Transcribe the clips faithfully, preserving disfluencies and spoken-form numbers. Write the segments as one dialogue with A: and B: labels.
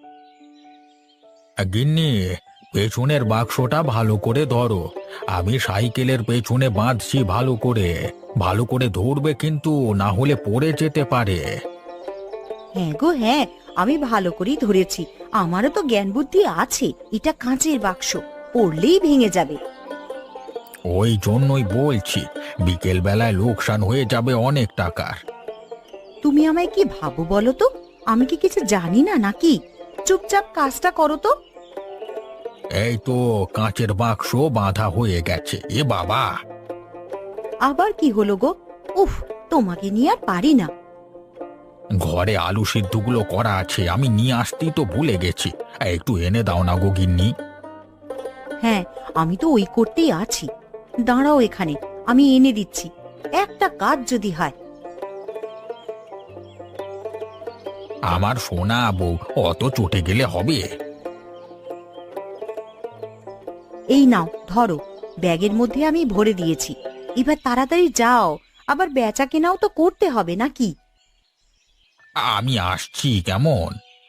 A: গিন্নি, পেছনের বাক্সটা ভালো করে ধরো। আমি সাইকেলের পেছনে বাঁধছি ভালো করে। ভালো করে ধরবে কিন্তু, না হলে পড়ে যেতে পারে।
B: হ্যাঁ গো হ্যাঁ, আমি ভালো করেই ধরেছি। আমারও তো জ্ঞান বুদ্ধি আছে। এটা কাঁচের বাক্স, পড়লেই ভেঙে যাবে।
A: ওই জন্যই বলছি, বিকেল বেলায় লোকসান হয়ে যাবে অনেক টাকার।
B: তুমি আমায় কি ভাবো বলো তো? আমি কি কিছু জানি না নাকি? চুপচাপ কাজটা করো তো।
A: এই তো, কাঁচের বাক্স বাঁধা হয়ে গেছে। এ বাবা!
B: আবার কি হলো গো? উফ, তোমাকে নিয়ে আর পারি না।
A: ঘরে আলু সিদ্ধগুলো করা আছে, আমি নিয়ে আসতেই তো ভুলে গেছি। একটু এনে দাও না গো গিন্নি।
B: হ্যাঁ, আমি তো ওই করতেই আছি। দাঁড়াও এখানে, আমি এনে দিচ্ছি। একটা কাজ যদি হয়।
A: আমার সোনা বউ, অত চটে গেলে হবে?
B: এই নাও ধরো, ব্যাগের মধ্যে আমি ভরে দিয়েছি। এবার তাড়াতাড়ি যাও, আবার বেচা কেনাও তো করতে হবে নাকি?
A: আমি আসছি কেমন।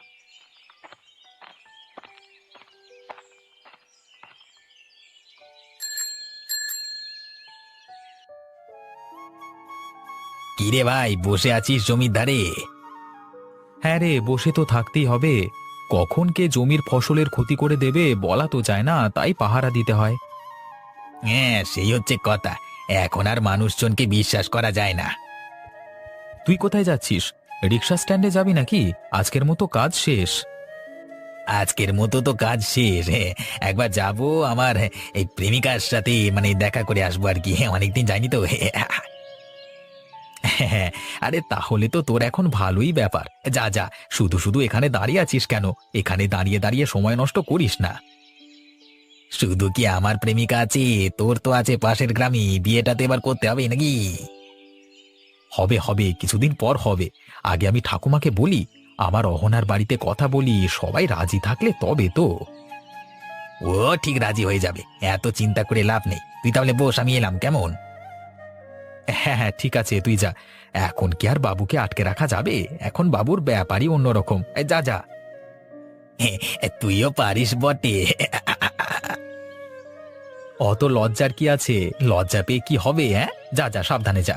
A: কিরে ভাই, বসে আছিস জমির ধারে?
C: হ্যাঁ রে, বসে তো থাকতেই হবে। কখন কে জমির ফসলের ক্ষতি করে দেবে বলা তো যায় না, তাই পাহারা দিতে হয়।
A: হ্যাঁ, সেই হচ্ছে কথা। এখন আর মানুষজনকে বিশ্বাস করা যায় না।
C: তুই কোথায় যাচ্ছিস? রিক্সা স্ট্যান্ডে যাবি নাকি? আজকের মতো কাজ শেষ।
A: আজকের মতো তো কাজ শেষ। হ্যাঁ, একবার যাব আমার এই প্রেমিকার সাথে, মানে দেখা করে আসবো আর কি। অনেকদিন যাইনি তো। হ্যাঁ, আরে তাহলে তো তোর এখন ভালোই ব্যাপার। যা যা, শুধু শুধু এখানে দাঁড়িয়ে আছিস কেন? এখানে দাঁড়িয়ে দাঁড়িয়ে সময় নষ্ট করিস না। শুধু কি আমার প্রেমিকা আছে, তোর তো আছে পাশের গ্রামে। বিয়েটা তো এবার করতে হবে নাকি?
C: হবে হবে, কিছুদিন পর হবে। আগে আমি ঠাকুমাকে বলি, আমার অহনার বাড়িতে কথা বলি, সবাই রাজি থাকলে তবে তো।
A: ও ঠিক রাজি হয়ে যাবে, এত চিন্তা করে লাভ নেই। তুই তাহলে বস, আমি এলাম কেমন।
C: হ্যাঁ হ্যাঁ, ঠিক আছে, তুই যা। এখন কি আর বাবুকে আটকে রাখা যাবে? এখন বাবুর ব্যাপারই অন্যরকম। এই যা যা।
A: হ্যাঁ, তুইও পারিস বটে।
C: অত লজ্জার কি আছে? লজ্জা পেয়ে কি হবে? হ্যাঁ, যা যা, সাবধানে যা।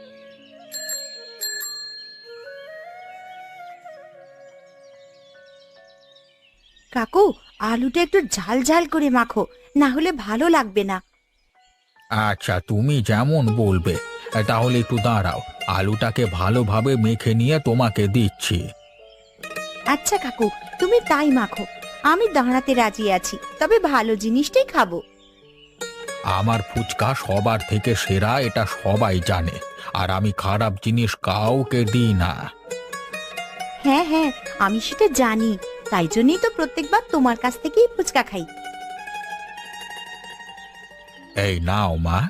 B: কাকু, আলুটা একটু ঝাল ঝাল করে মাখো, না হলে ভালো লাগবে না।
A: আচ্ছা, তুমি যেমন বলবে। তাহলে একটু দাঁড়াও, আলুটাকে ভালোভাবে মেখে নিয়ে তোমাকে দিচ্ছি।
B: আচ্ছা কাকু, তুমি তাই মাখো। আমি দাঁড়াতে রাজি আছি, তবে ভালো জিনিসটাই খাবো।
A: আমার ফুচকা সবার থেকে সেরা, এটা সবাই জানে। আর আমি খারাপ জিনিস কাউকে দিই না।
B: হ্যাঁ হ্যাঁ, আমি সেটা জানি। তাই জন্যই তো প্রত্যেকবার তোমার কাছ থেকেই ফুচকা খাই।
A: এই নাও মা।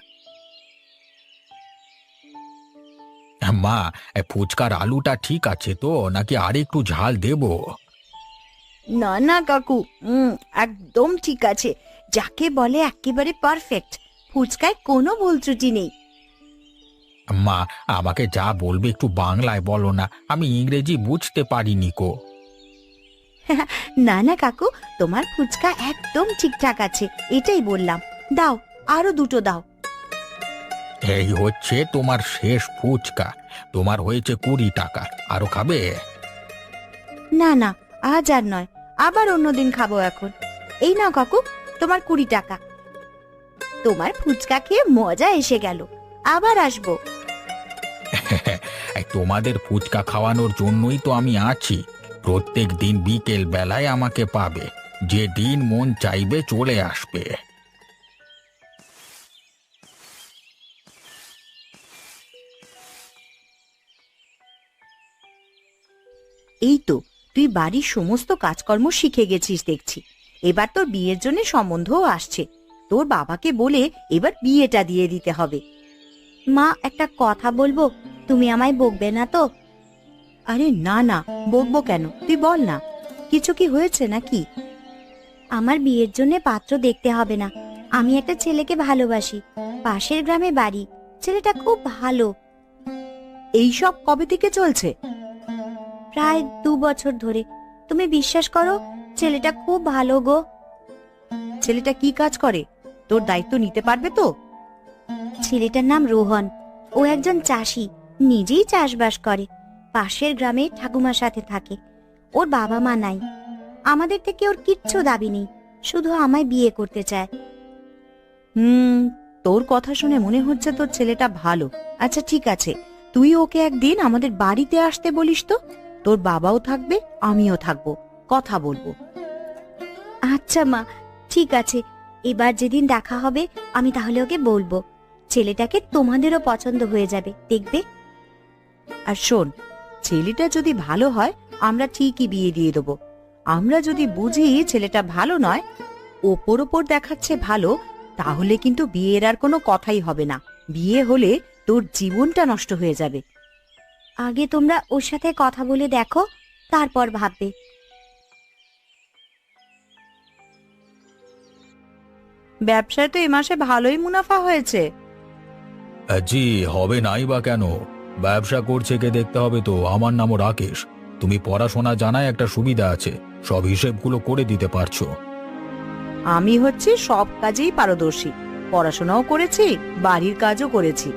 A: মা, এ ফুচকার আলুটা ঠিক আছে তো, নাকি আর একটু ঝাল দেবো?
B: না না কাকু, উম, একদম ঠিক আছে। যাকে বলে একেবারে পারফেক্ট। ফুচকায় কোনো ভুল ত্রুটি নেই।
A: মা, আমাকে যা বলবে একটু বাংলায় বলো না, আমি ইংরেজি বুঝতে পারিনি কো।
B: না না কাকু, তোমার ফুচকা একদম ঠিকঠাক আছে, এটাই বললাম। দাও, আরো দুটো দাও।
A: এই হচ্ছে তোমার শেষ ফুচকা। তোমার হয়েছে কুড়ি টাকা। আরো খাবে?
B: না না, আজ আর নয়, আবার অন্যদিন খাবো এখন। এই নাও কাকু, তোমার কুড়ি টাকা। তোমার ফুচকা খেয়ে মজা এসে গেল, আবার আসবো।
A: এই তোমাদের ফুচকা খাওয়ানোর জন্যই তো আমি আছি। প্রত্যেক দিন বিকেল বেলায় আমাকে পাবে। যে দিন মন চাইবে চলে আসবে।
B: এই তো, তুই বাড়ির সমস্ত কাজকর্ম শিখে গেছিস দেখছি। এবার তোর বিয়ের জন্য সম্বন্ধও আসছে। তোর বাবাকে বলে এবার বিয়েটা দিয়ে দিতে হবে। মা, একটা কথা বলবো, তুমি আমায় বকবে না তো? আরে না না, বকবো কেন, তুই বল না। কিছু কি হয়েছে নাকি? আমার বিয়ের জন্য পাত্র দেখতে হবে না। আমি একটা ছেলেকে ভালোবাসি, পাশের গ্রামে বাড়ি। ছেলেটা খুব ভালো। এই সব কবে থেকে চলছে? প্রায় দু বছর ধরে। তুমি বিশ্বাস করো, ছেলেটা খুব ভালো গো। ছেলেটা কি কাজ করে? তোর দায়িত্ব নিতে পারবে তো? ছেলেটার নাম রোহন। ও একজন চাষি, নিজেই চাষবাস করে। পাশের গ্রামে ঠাকুমার সাথে থাকে। ওর বাবা মা নাই। আমাদের থেকে ওর কিচ্ছু দাবি নেই, শুধু আমায় বিয়ে করতে চায়। হুম, তোর কথা শুনে মনে হচ্ছে তোর ছেলেটা ভালো। আচ্ছা ঠিক আছে, তুই ওকে একদিন আমাদের বাড়িতে আসতে বলিস তো। তোর বাবাও থাকবে, আমিও থাকবো, কথা বলবো। আচ্ছা মা, ঠিক আছে। এবার যেদিন দেখা হবে আমি তাহলে ওকে বলবো। ছেলেটাকে তোমাদেরও পছন্দ হয়ে যাবে, দেখবে। আর শোন, ছেলেটা যদি ভালো হয় আমরা ঠিকই বিয়ে দিয়ে দেবো। আমরা যদি বুঝি ছেলেটা ভালো নয়, ওপর ওপর দেখাচ্ছে ভালো, তাহলে কিন্তু বিয়ের আর কোনো কথাই হবে না। বিয়ে হলে তোর জীবনটা নষ্ট হয়ে যাবে। আগে তোমরা ওর সাথে কথা বলে দেখো, তারপর ভাববে। ব্যবসায় তো এ মাসে ভালোই মুনাফা হয়েছে।
C: জি, হবে নাই বা কেন? ব্যবসা করছে কে দেখতে হবে তো। আমার নামও রাকেশ। তুমি পড়াশোনা জানায় একটা সুবিধা আছে, সব হিসেবগুলো করে দিতে পারছো।
B: আমি হচ্ছে সব কাজেই পারদর্শী, পড়াশোনাও করেছি, বাড়ির কাজও করেছি।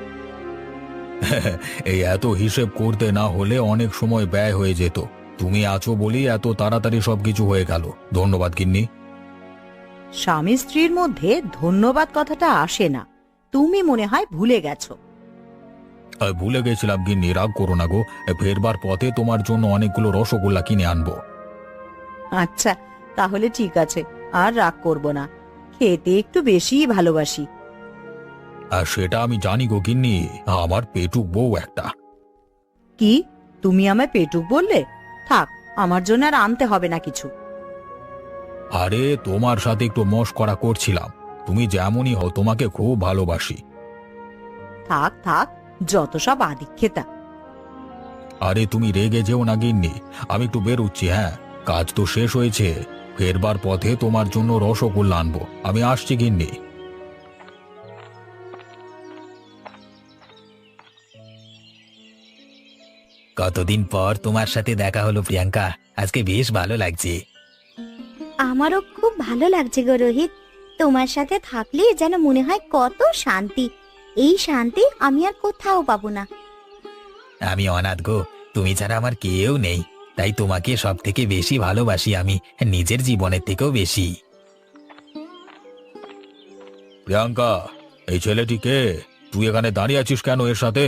C: এই এত হিসেব করতে না হলে অনেক সময় ব্যয় হয়ে যেত। তুমি আছো বলি এত তাড়াতাড়ি সবকিছু হয়ে গেল। ধন্যবাদ গিন্নি।
B: স্বামী স্ত্রীর মধ্যে ধন্যবাদ কথাটা আসে না, তুমি মনে হয় ভুলে গেছো।
C: আহ, ভুলে গেছিলাম গিন্নি, রাগ করো না গো। ফেরবার পথে তোমার জন্য অনেকগুলো রসগোল্লা কিনে আনবো।
B: আচ্ছা তাহলে ঠিক আছে, আর রাগ করব না। খেতে একটু বেশিই ভালোবাসি।
C: আর সেটা আমি জানি গো গিন্নি, আমার পেটুক বউ একটা।
B: কি, তুমি আমায় পেটুক বললে? থাক, আমার জন্য আর আনতে হবে না কিছু।
C: আরে তোমার সাথে একটু মশকরা করছিলাম। তুমি যেমনই হও, তোমাকে খুব ভালোবাসি।
B: থাক থাক, যত সব আদিক্ষেতা।
C: আরে তুমি রেগে যেও না গিন্নি, আমি একটু বেরোচ্ছি। হ্যাঁ, কাজ তো শেষ হয়েছে। ফেরবার পথে তোমার জন্য রসগোল্লা আনবো। আমি আসছি গিন্নি।
A: কতদিন পর তোমার সাথে দেখা হলো প্রিয়াঙ্কা, আজকে বেশ ভালো লাগছে।
B: আমারও খুব ভালো লাগছে গো রোহিত। তোমার সাথে থাকলে যেন মনে হয় কত শান্তি। এই শান্তি আমি আর কোথাও পাবো না।
A: আমি অনাথ গো, তুমি ছাড়া আমার কেউ নেই, তাই তোমাকে সব থেকে বেশি ভালোবাসি আমি, নিজের জীবনের থেকেও বেশি।
C: প্রিয়াঙ্কা, এই ছেলেটি কে? তুই এখানে দাঁড়িয়ে আছিস কেন এর সাথে?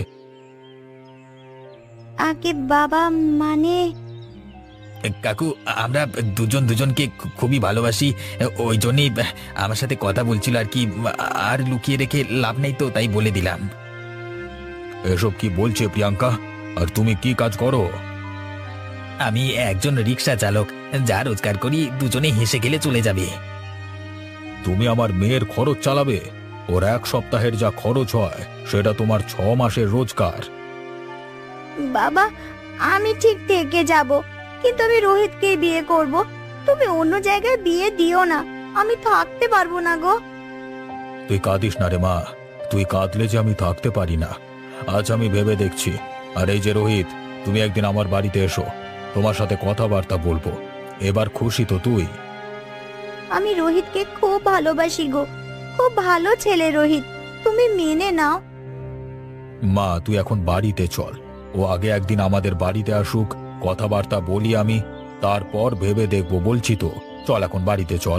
B: আগে বাবা, মানে
A: কাকু, আমরা দুজন দুজনকে খু- খুবই ভালোবাসি, ওই জন্যই আমার সাথে কথা বলছিল আর কি। আর লুকিয়ে রেখে লাভ নেই, তো তাই বলে দিলাম।
C: এসব কি বলছে প্রিয়াঙ্কা? আর তুমি কি কাজ করো?
A: আমি একজন রিক্সা চালক, যা রোজগার করি দুজনে হেসে গেলে চলে যাবে।
C: তুমি আমার মেয়ের খরচ চালাবে? ওর এক সপ্তাহের যা খরচ হয় সেটা তোমার ছ মাসের রোজগার।
B: বাবা, আমি ঠিক থেকে যাব, কিন্তু আমি রোহিতকে বিয়ে করব। তুমি অন্য জায়গায় বিয়ে দিও না, আমি থাকতে পারবো না গো।
C: তুই কাঁদিস না রে মা, তুই কাঁদলে যে আমি থাকতে পারি না। আজ আমি ভেবে দেখছি। আর এই যে রোহিত, তুমি একদিন আমার বাড়িতে এসো, তোমার সাথে কথাবার্তা বলবো। এবার খুশি তো তুই?
B: আমি রোহিতকে খুব ভালোবাসি গো, খুব ভালো ছেলে রোহিত, তুমি মেনে নাও।
C: মা, তুই এখন বাড়িতে চল। ও আগে একদিন আমাদের বাড়িতে আসুক, কথাবার্তা বলি আমি, তারপর ভেবে দেখবো। বলছি তো, চল এখন বাড়িতে চল।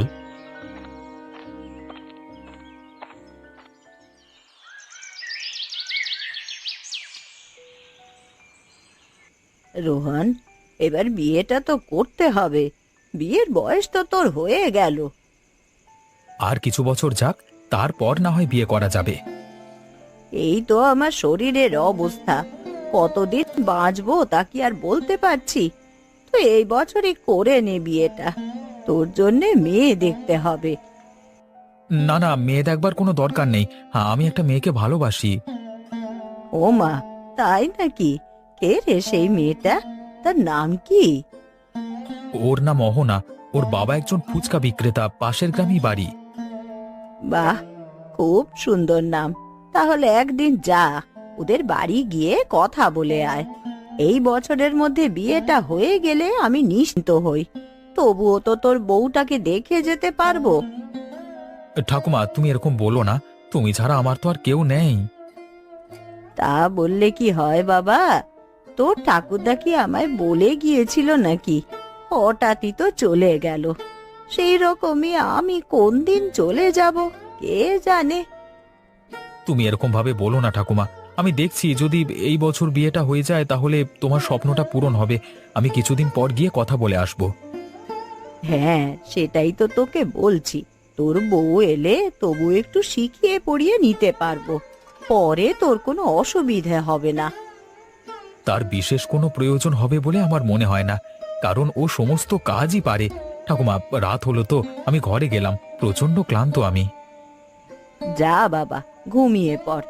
B: রোহন, এবার বিয়েটা তো করতে হবে। বিয়ের বয়স তো তোর হয়ে গেল।
A: আর কিছু বছর যাক, তারপর না হয় বিয়ে করা যাবে।
B: এই তো আমার শরীরের অবস্থা, কতদিন বাঁচবো তা কি আর বলতে পারছি। তো এই বছরই করে নে বিয়েটা, তোর জন্যে মেয়ে দেখতে হবে।
A: না না, মেয়ে দেখবার কোনো দরকার নেই, হ্যাঁ, আমি একটা মেয়েকে ভালোবাসি।
B: ও মা, তাই নাকি? কে রে সেই মেয়েটা? তার নাম কি?
A: ওর নাম অহনা, ওর বাবা একজন ফুচকা বিক্রেতা, পাশের গ্রামেই বাড়ি।
B: বাহ, খুব সুন্দর নাম। তাহলে একদিন যা, ওদের বাড়ি গিয়ে কথা বলে আয়। এই বছরের মধ্যে বিয়েটা হয়ে গেলে আমি নিশ্চিন্ত হই। তবুও তো তোর বউটাকে দেখে যেতে পারবো।
A: ঠাকুমা, তুমি এরকম বলো না। তুমি ছাড়া আমার তো আর কেউ নেই।
B: তা বললে কি হয় বাবা? তোর ঠাকুরদা কি আমায় বলে গিয়েছিল নাকি? হঠাৎই তো চলে গেল। সেই রকমই আমি কোন দিন চলে যাব কে জানে।
A: তুমি এরকম ভাবে বলো না ঠাকুমা। আমি দেখছি যদি এই বছর বিয়েটা হয়ে যায় তাহলে তোমার স্বপ্নটা পূরণ হবে। আমি কিছুদিন পর গিয়ে কথা বলে আসব।
B: হ্যাঁ, সেটাই তো তোকে বলছি। তোর বউ এলে তবু একটু শিখিয়ে পড়িয়ে নিতে পারবো। পরে তোর কোনো অসুবিধে হবে না।
A: তার বিশেষ কোনো প্রয়োজন হবে বলে আমার মনে হয় না, কারণ ও সমস্ত কাজই পারে। ঠাকুমা, রাত হলো তো, আমি ঘরে গেলাম। প্রচন্ড ক্লান্ত আমি।
B: যা বাবা, ঘুমিয়ে পড়।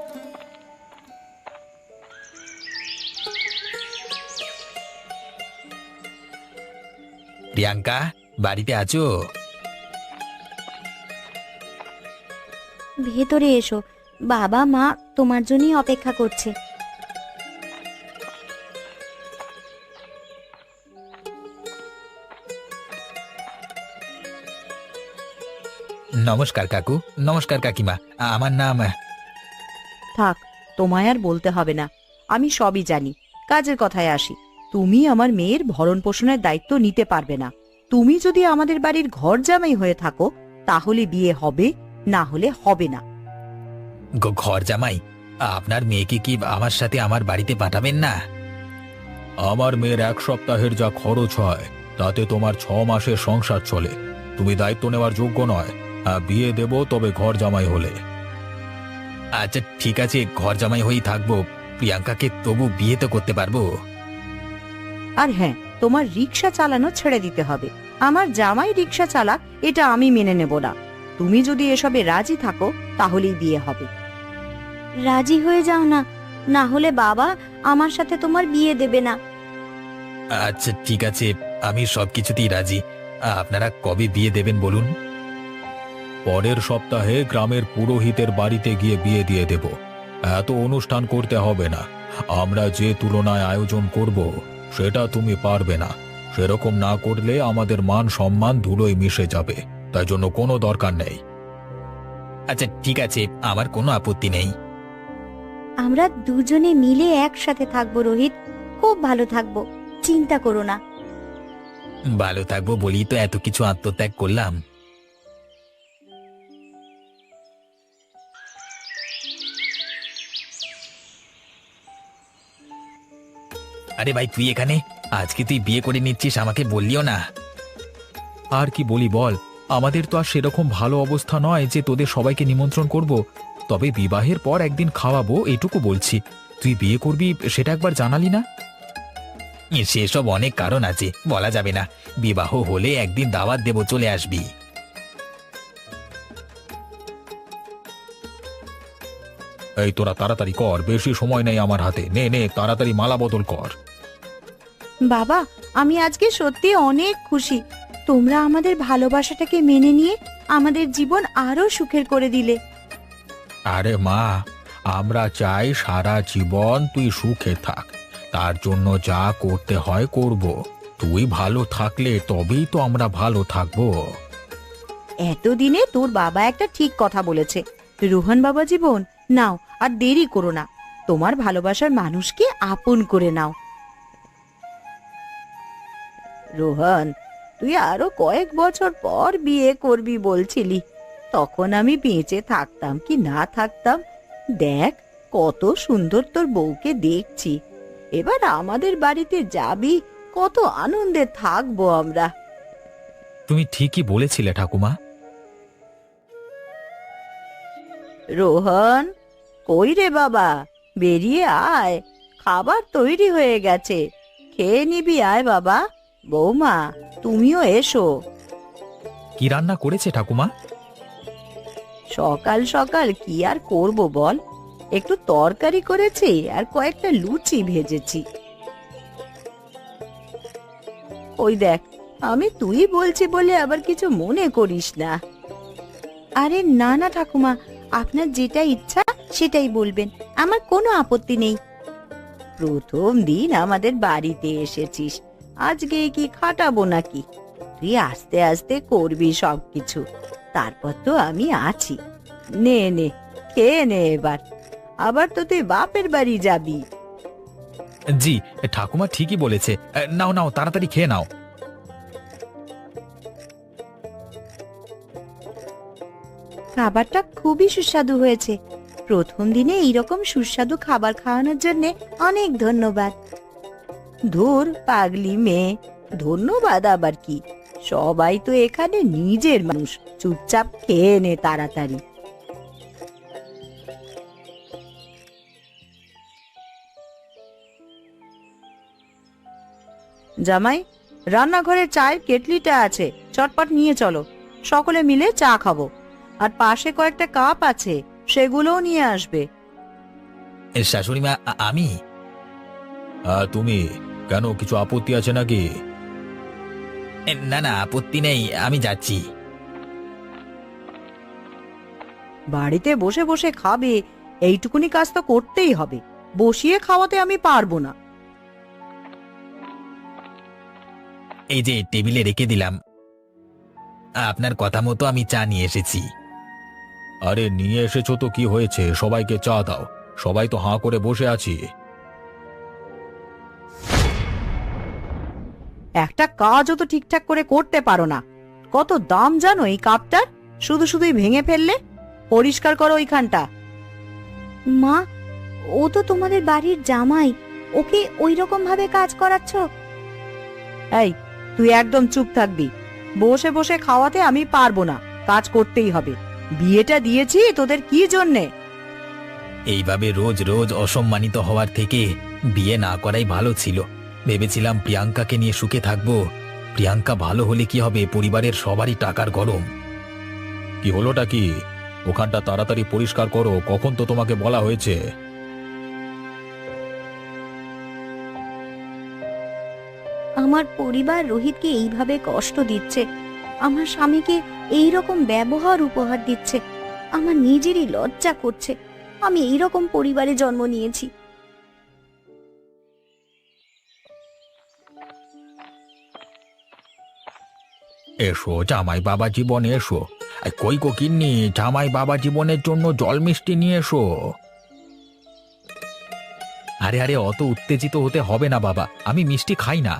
A: প্রিয়াঙ্কা, বাড়িতে আছো?
D: ভেতরে এসো, বাবা মা তোমার জন্যই অপেক্ষা করছে।
A: নমস্কার কাকু। নমস্কার কাকিমা। আমার নাম।
B: থাক, তোমায় আর বলতে হবে না। আমি সবই জানি। কাজের কথায় আসি। তুমি আমার মেয়ের ভরণ পোষণের দায়িত্ব নিতে পারবে না। তুমি যদি আমাদের বাড়ির ঘর জামাই হয়ে থাকো তাহলে বিয়ে হবে, না হলে হবে না।
A: গ- ঘর জামাই? আপনার মেয়েকে কি আমার সাথে আমার বাড়িতে পাঠাবেন না?
C: আমার মেয়ের এক সপ্তাহের যা খরচ হয় তাতে তোমার ছ মাসের সংসার চলে। তুমি দায়িত্ব নেওয়ার যোগ্য নয়। হ্যাঁ, বিয়ে দেব, তবে ঘর জামাই হলে।
A: আচ্ছা ঠিক আছে, ঘর জামাই হয়েই থাকবো। প্রিয়াঙ্কাকে তবু বিয়ে তো করতে পারবো।
B: আর হ্যাঁ, তোমার রিক্সা চালানো ছেড়ে দিতে হবে। আমার জামাই রিক্সা চালাক, এটা আমি মেনে নেব না। তুমি যদি এসবে রাজি থাকো তাহলেই বিয়ে হবে।
D: রাজি হয়ে যাও না, না হলে বাবা আমার সাথে তোমার বিয়ে দেবে না।
A: আচ্ছা ঠিক আছে, আমি সবকিছুতেই রাজি। আপনারা কবে বিয়ে দেবেন বলুন?
C: পরের সপ্তাহে গ্রামের পুরোহিতের বাড়িতে গিয়ে বিয়ে দিয়ে দেব। এত অনুষ্ঠান করতে হবে না। আমরা যে তুলনায় আয়োজন করব সেটা তুমি পারবে না। সেরকম না করলে আমাদের মান সম্মান ধুলোয় মিশে যাবে। তাই জন্য কোনো দরকার নেই।
A: আচ্ছা ঠিক আছে, আমার কোনো আপত্তি নেই।
D: আমরা দুজনে মিলে একসাথে থাকবো রোহিত, খুব ভালো থাকবো, চিন্তা করো না।
A: ভালো থাকবো বলি তো এত কিছু আত্মত্যাগ করলাম। আরে ভাই, তুই এখানে? আজকে তুই বিয়ে করে নিচ্ছিস, আমাকে বললিও না।
C: আর কি বলি বল, আমাদের তো আর সেরকম ভালো অবস্থা নয় যে তোদের সবাইকে নিমন্ত্রণ করব। তবে বিবাহের পর একদিন খাওয়াবো, এটুকু বলছি। তুই বিয়ে করবি সেটা একবার জানালি না?
A: সেসব অনেক কারণ আছে, বলা যাবে না। বিবাহ হলে একদিন দাওয়াত দেব, চলে আসবি।
C: এই তোরা তাড়াতাড়ি কর, বেশি সময় নেই আমার হাতে। নে নে, তাড়াতাড়ি মালা বদল কর।
B: বাবা, আমি আজকে সত্যি অনেক খুশি। তোমরা আমাদের ভালোবাসাটাকে মেনে নিয়ে আমাদের জীবন আরো সুখের করে দিলে।
C: আরে মা, আমরা চাই সারা জীবন তুই সুখে থাক। তার জন্য যা করতে হয় করব। তুই ভালো থাকলে তবেই তো আমরা ভালো থাকবো।
B: এতদিনে তোর বাবা একটা ঠিক কথা বলেছে। রোহন বাবা জীবন, নাও আর দেরি করো না। তোমার ভালোবাসার মানুষকে আপন করে নাও। রোহন, তুই আরো কয়েক বছর পর বিয়ে করবি বলছিলি। তখন আমি বেঁচে থাকতাম কি না থাকতাম, দেখ কত সুন্দর তোর বউকে দেখছি। এবার আমাদের বাড়িতে যাবি, কত আনন্দে থাকবো আমরা।
A: তুমি ঠিকই বলেছিলে ঠাকুমা।
B: রোহন, কই রে বাবা, বেরিয়ে আয়। খাবার তৈরি হয়ে গেছে, খেয়ে নিবি, আয় বাবা। বৌমা, তুমিও এসো।
A: কি রান্না করেছে ঠাকুমা?
B: সকাল সকাল কি আর করব বল, একটু তরকারি করেছি আর কয়েকটা লুচি ভেজেছি। ওই দেখ, আমি তুই বলছি বলে আবার কিছু মনে করিস না। আরে না না ঠাকুমা, আপনার যেটা ইচ্ছা সেটাই বলবেন, আমার কোনো আপত্তি নেই। প্রথম দিন আমাদের বাড়িতে এসেছিস, আজকে কি খাটাবো নাকি? তুই আস্তে আস্তে করবি সবকিছু, তারপর তো আমি আছি। নে নে, খেয়ে নে এবার, আবার তো তুই বাপের বাড়ি যাবি।
A: জি, ঠাকুমা ঠিকই বলেছে। নাও নাও, তাড়াতাড়ি খেয়ে নাও।
B: খাবারটা খুবই সুস্বাদু হয়েছে। প্রথম দিনে এইরকম সুস্বাদু খাবার খাওয়ানোর জন্য অনেক ধন্যবাদ। ধুর পাগলি মেয়ে, ধন্যবাদ আবার কি? সবাই তো এখানে নিজের মানুষ, চুপচাপ খেয়ে নে তাড়াতাড়ি। জামাই, রান্নাঘরের চায়ের কেটলিটা আছে, চটপট নিয়ে চলো, সকলে মিলে চা খাবো। আর পাশে কয়েকটা কাপ আছে, সেগুলোও নিয়ে আসবে।
A: শাশুড়ি মা, আ- আমি
C: আর তুমি কেন, কিছু আপত্তি আছে নাকি?
A: এ, না না, আপত্তি নেই, আমি যাচ্ছি।
B: বাড়িতে বসে বসে খাবে, এইটুকুনি কাজ তো করতেই হবে। বসিয়ে খাওয়াতে আমি পারবো না।
A: এই যে টেবিলে রেখে দিলাম, আপনার কথা মতো আমি চা নিয়ে এসেছি।
C: আরে নিয়ে এসেছো তো কি হয়েছে, সবাইকে চা দাও, সবাই তো হাঁ করে বসে আছি।
B: একটা কাজও তো ঠিকঠাক করে করতে পারো না। কত দাম জানো এই কাপটার? শুধু শুধুই ভেঙে ফেললে। পরিষ্কার করো ওইখানটা।
D: মা, ও তো তোমাদের বাড়ির জামাই, ওকে ওই রকম ভাবে কাজ করাচ্ছ?
B: এই, তুই একদম চুপ থাকবি। বসে বসে খাওয়াতে আমি পারবো না, কাজ করতেই হবে। বিয়েটা দিয়েছি তোদের কি জন্যে?
A: এইভাবে রোজ রোজ অসম্মানিত হওয়ার থেকে বিয়ে না করাই ভালো ছিল। ভেবেছিলাম প্রিয়াঙ্কাকে নিয়ে সুখে থাকবো। প্রিয়াঙ্কা ভালো হলে কি হবে, পরিবারের সবারই টাকার গরম।
C: কি হলোটা কি? ওখানটা তাড়াতাড়ি পরিষ্কার করো, কখন তো তোমাকে বলা হয়েছে।
D: আমার পরিবার রোহিতকে এইভাবে কষ্ট দিচ্ছে, আমার স্বামীকে এই রকম ব্যবহার উপহার দিচ্ছে। আমার নিজেরই লজ্জা করছে, আমি এই রকম পরিবারে জন্ম নিয়েছি।
C: এসো জামাই বাবা জীবন, এসো। এই কই কো কিন্নি, জামাই বাবা জীবনের জন্য জল মিষ্টি নিয়ে এসো।
A: আরে আরে, অত উত্তেজিত হতে হবে না বাবা, আমি মিষ্টি খাই না।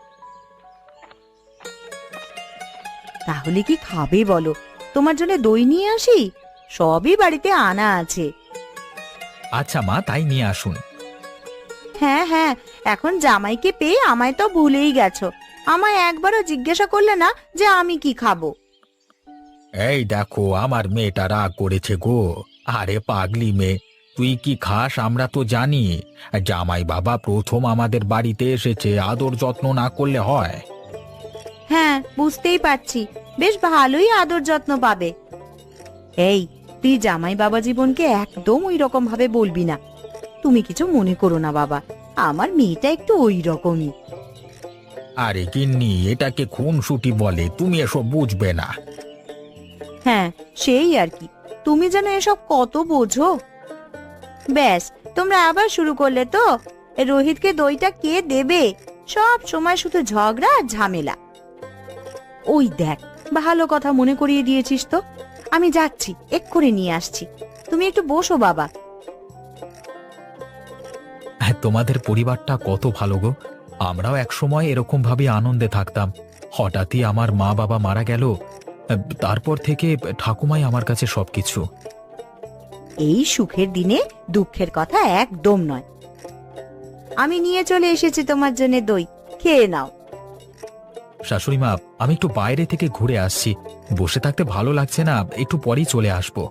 B: তাহলে কি খাবে বলো? তোমার জন্য দই নিয়ে আসি, সবই বাড়িতে আনা আছে।
A: আচ্ছা মা, তাই নিয়ে আসুন।
B: হ্যাঁ হ্যাঁ, এখন জামাইকে পেয়ে আমায় তো ভুলেই গেছো। আমায় একবারও জিজ্ঞাসা করলে না যে আমি কি খাবো।
C: এই দেখো, আমার মেয়েটা রাগ করেছে গো। আরে পাগলি মেয়ে, তুই কি খাস আমরা তো জানি। জামাই বাবা প্রথম আমাদের বাড়িতে এসেছে, আদর যত্ন না করলে হয়?
B: হ্যাঁ, বুঝতেই পারছি, বেশ ভালোই আদর যত্ন পাবে। এই, তুই জামাই বাবা জীবনকে একদম ওই রকম ভাবে বলবি না। তুমি কিছু মনে করো না বাবা, আমার মেয়েটা একটু ওই রকমই।
C: আরে গিন্নি, এটাকে খুনসুটি বলে, তুমি এসব বুঝবে না।
B: হ্যাঁ, সেই আর কি, তুমি যেন এসব কত বোঝো। ব্যাস, তোমরা আবার শুরু করলে তো। এ রোহিতকে দইটা কে দেবে? সব সময় শুধু ঝগড়া আর ঝামেলা। ওই দেখ, ভালো কথা মনে করিয়ে দিয়েছিস তো। আমি যাচ্ছি, এক্ষুনি নিয়ে আসছি। তুমি একটু বসো বাবা।
A: হ্যাঁ, তোমাদের পরিবারটা কত ভালো গো। আমরাও একসময় এরকম ভাবে আনন্দে থাকতাম। হঠাৎই আমার মা বাবা মারা গেল, তারপর থেকে ঠাকুমাই আমার কাছে সবকিছু।
B: এই সুখের দিনে দুঃখের কথা একদম নয়। আমি নিয়ে চলে এসেছি তোমার জন্য দই, খেয়ে নাও।
A: শাশুড়ি মা, আমি একটু বাইরে থেকে ঘুরে আসছি, বসে থাকতে ভালো লাগছে না, একটু পরেই চলে আসবো।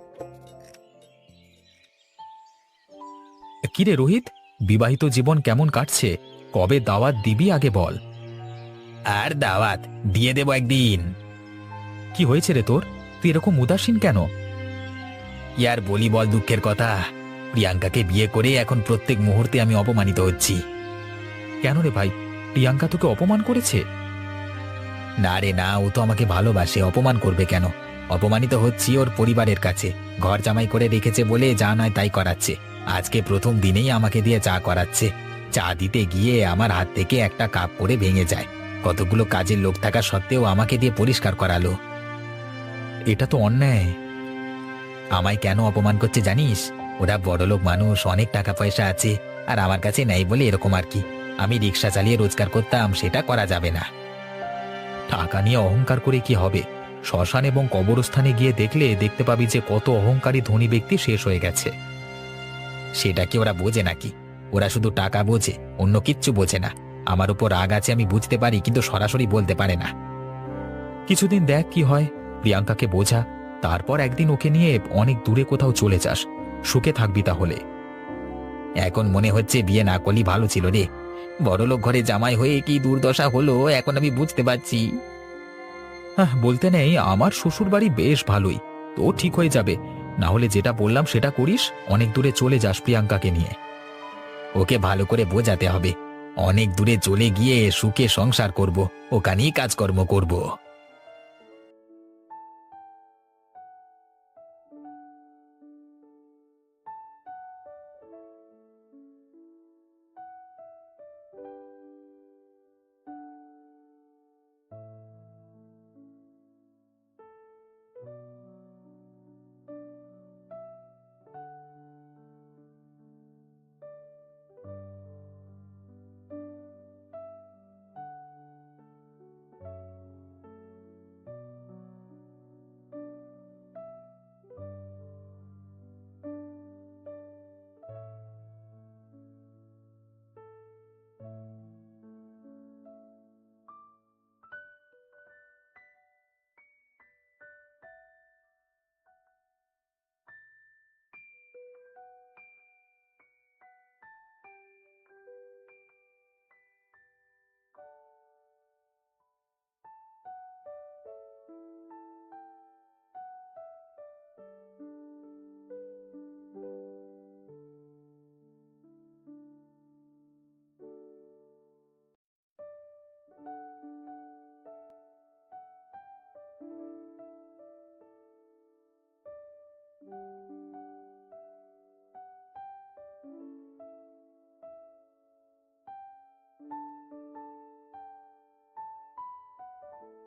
A: কিরে রোহিত, বিবাহিত জীবন কেমন কাটছে? কবে দাওয়াত দিবি আগে বল। আর দাওয়াত দিয়ে দেব একদিন। কি হয়েছে রে তোর, তুই এরকম উদাসীন কেন? কি আর বলি বল দুঃখের কথা, প্রিয়াঙ্কাকে বিয়ে করে এখন প্রত্যেক মুহূর্তে আমি অপমানিত হচ্ছি। কেন রে ভাই, প্রিয়াঙ্কা তোকে অপমান করেছে? না রে না, ও তো আমাকে ভালোবাসে, অপমান করবে কেন? অপমানিত হচ্ছি ওর পরিবারের কাছে। ঘর জামাই করে রেখেছে বলে যা নয় তাই করাচ্ছে। আজকে প্রথম দিনেই আমাকে দিয়ে চা করাচ্ছে। চা দিতে গিয়ে আমার হাত থেকে একটা কাপ করে ভেঙে যায়। কতগুলো কাজের লোক থাকা সত্ত্বেও আমাকে দিয়ে পরিষ্কার করালো।
C: এটা তো অন্যায়।
A: আমায় কেন অপমান করছে জানিস? ওরা বড়লোক মানুষ, অনেক টাকা পয়সা আছে, আর আমার কাছে নেই বলে এরকম আর কি। আমি রিক্সা চালিয়ে রোজগার করতাম, সেটা করা যাবে না।
C: টাকা নিয়ে অহংকার করে কি হবে? শ্মশান এবং কবরস্থানে গিয়ে দেখলে দেখতে পাবি যে কত অহংকারী ধনী ব্যক্তি শেষ হয়ে গেছে।
A: সেটা কি ওরা বোঝে নাকি? ওরা শুধু টাকা বোঝে, অন্য কিচ্ছু বোঝে না। আমার উপর রাগ আছে আমি বুঝতে পারি, কিন্তু সরাসরি বলতে পারে না।
C: কিছুদিন দেখ কি হয়। প্রিয়াঙ্কাকে বোঝা, তারপর একদিন ওকে নিয়ে অনেক দূরে কোথাও চলে যাস। সুখে থাকবি তাহলে।
A: এখন মনে হচ্ছে বিয়ে না করলেই ভালো ছিল রে। বড়লোক ঘরে জামাই হয়ে কি দুর্দশা হলো এখন আমি বুঝতে পারছি।
C: হ্যাঁ, বলতে নেই, আমার শ্বশুর বাড়ি বেশ ভালোই। তো ঠিক হয়ে যাবে। না হলে যেটা বললাম সেটা করিস, অনেক দূরে চলে যাস প্রিয়াঙ্কাকে নিয়ে।
A: ওকে ভালো করে বোঝাতে হবে। অনেক দূরে চলে গিয়ে সুখে সংসার করব, ওখানেই কাজকর্ম করব।